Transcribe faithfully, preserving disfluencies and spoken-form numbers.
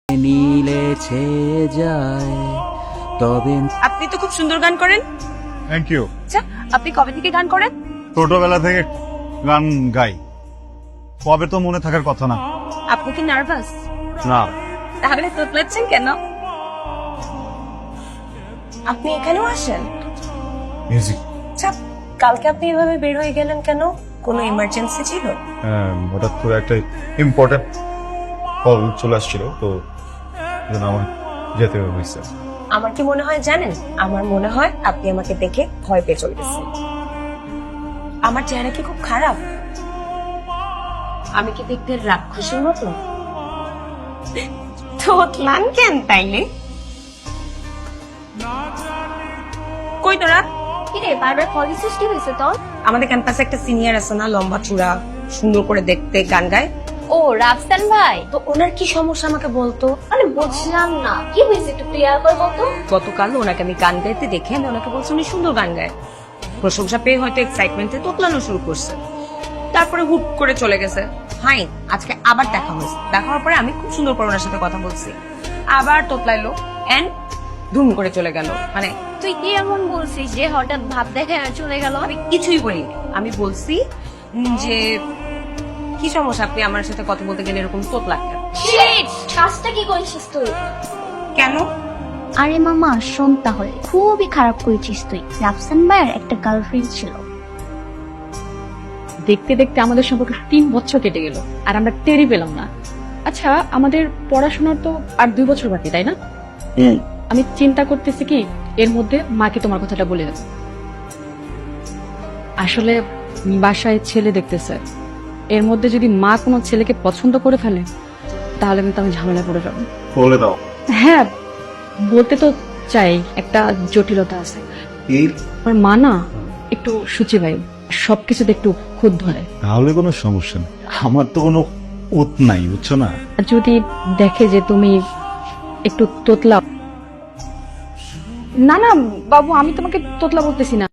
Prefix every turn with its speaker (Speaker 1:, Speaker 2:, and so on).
Speaker 1: নীলে ছেয়ে যায় তবে।
Speaker 2: আপনি তো খুব সুন্দর গান করেন।
Speaker 3: Thank you.
Speaker 2: আচ্ছা, আপনি কবে থেকে গান করেন?
Speaker 3: ছোটবেলা থেকে গান গাই, কবে তো মনে থাকার কথা না।
Speaker 2: আপনি কি নার্ভাস?
Speaker 3: না,
Speaker 2: তাহলে তোতলাচ্ছেন কেন? আপনি এখানেও আসেন?
Speaker 3: মিউজিক।
Speaker 2: আচ্ছা, কালকে আপনি এভাবে বের হয়ে গেলেন কেন? কোনো ইমার্জেন্সি ছিল?
Speaker 3: হঠাৎ করে একটা ইম্পর্টেন্ট কল চলে আসছিল, তো এজন্য আমার যেতে হয়েছে।
Speaker 2: আমার কি মনে হয় জানেন? আমার মনে হয় আপনি আমাকে দেখে ভয় পেয়ে চলে গেছেন। আমার চেহারা কি খুব খারাপ? আমি কি দেখতে রাক্ষসীর মতো? তোতলান কেন তাইলে? কই তোরা?
Speaker 4: কিরে বারবার কল দিছিস, কি হয়েছে তোর?
Speaker 2: আমাদের ক্যাম্পাসে একটা সিনিয়র আছে না, লম্বা চূড়া, সুন্দর করে দেখতে, গান গায়।
Speaker 4: ও রাফসান ভাই,
Speaker 2: তো ওনার কি সমস্যা আমাকে বলতো।
Speaker 4: আরে বুঝলাম না কি হয়েছে, একটু ক্লিয়ার করে বলতো।
Speaker 2: গতকাল ওনাকে আমি গান গাইতে দেখে আমি ওনাকে বলছি উনি সুন্দর গান গায়। প্রশংসা পেয়ে হয়তো এক্সাইটমেন্টে তোতলানো শুরু করছে, তারপরে হুট করে চলে গেছে। ফাইন, আজকে আবার দেখা হয়েছে। দেখা হওয়ার পরে আমি খুব সুন্দর করে ওনার সাথে কথা বলছি, আবার তোতলাইলো এন্ড ধুম করে চলে গেল। মানে
Speaker 4: তুই কি এমন বলছিস যে হঠাৎ ভাব দেখে চলে গেল?
Speaker 2: আমি কিছুই বলিনি। আমি বলছি উম, যে কি সমস্যা, আপনি আমার সাথে কথা বলতে গেলে এরকম তোতলাচ্ছেন
Speaker 4: শিট, কাজটা কি করেছিস তুই?
Speaker 2: কেন?
Speaker 5: আরে মামা শোন, তাহলে খুবই খারাপ করেছিস তুই। রাফসান ভাইয়ের একটা গার্লফ্রেন্ড ছিল।
Speaker 6: দেখতে দেখতে আমাদের সম্পর্কে তিন বছর কেটে গেল আর আমরা টেরই পেলাম না। আচ্ছা, আমাদের পড়াশোনার তো আর দুই বছর বাকি, তাই না? আমি চিন্তা করতেছি কি এর মধ্যে মাকে তোমার কথাটা বলে দেব। আসলে বাসায় ছেলে দেখতেছে, এর মধ্যে যদি মা কোনো ছেলেকে পছন্দ করে ফেলে তাহলে কিন্তু আমি ঝামেলায় পড়ে যাবো।
Speaker 3: বলে দাও।
Speaker 6: হ্যাঁ, বলতে তো চাই, একটা জটিলতা আছে। আমার মা না একটু সূচিবায়ু, সবকিছুতে একটু খুদ ধরে।
Speaker 3: তাহলে কোনো সমস্যা নেই, আমার তো কোনো উত নাই, বুঝছো না।
Speaker 6: আর যদি দেখে যে তুমি একটু তোতলা, না না বাবু, আমি তোমাকে তোতলা বলতেছি না।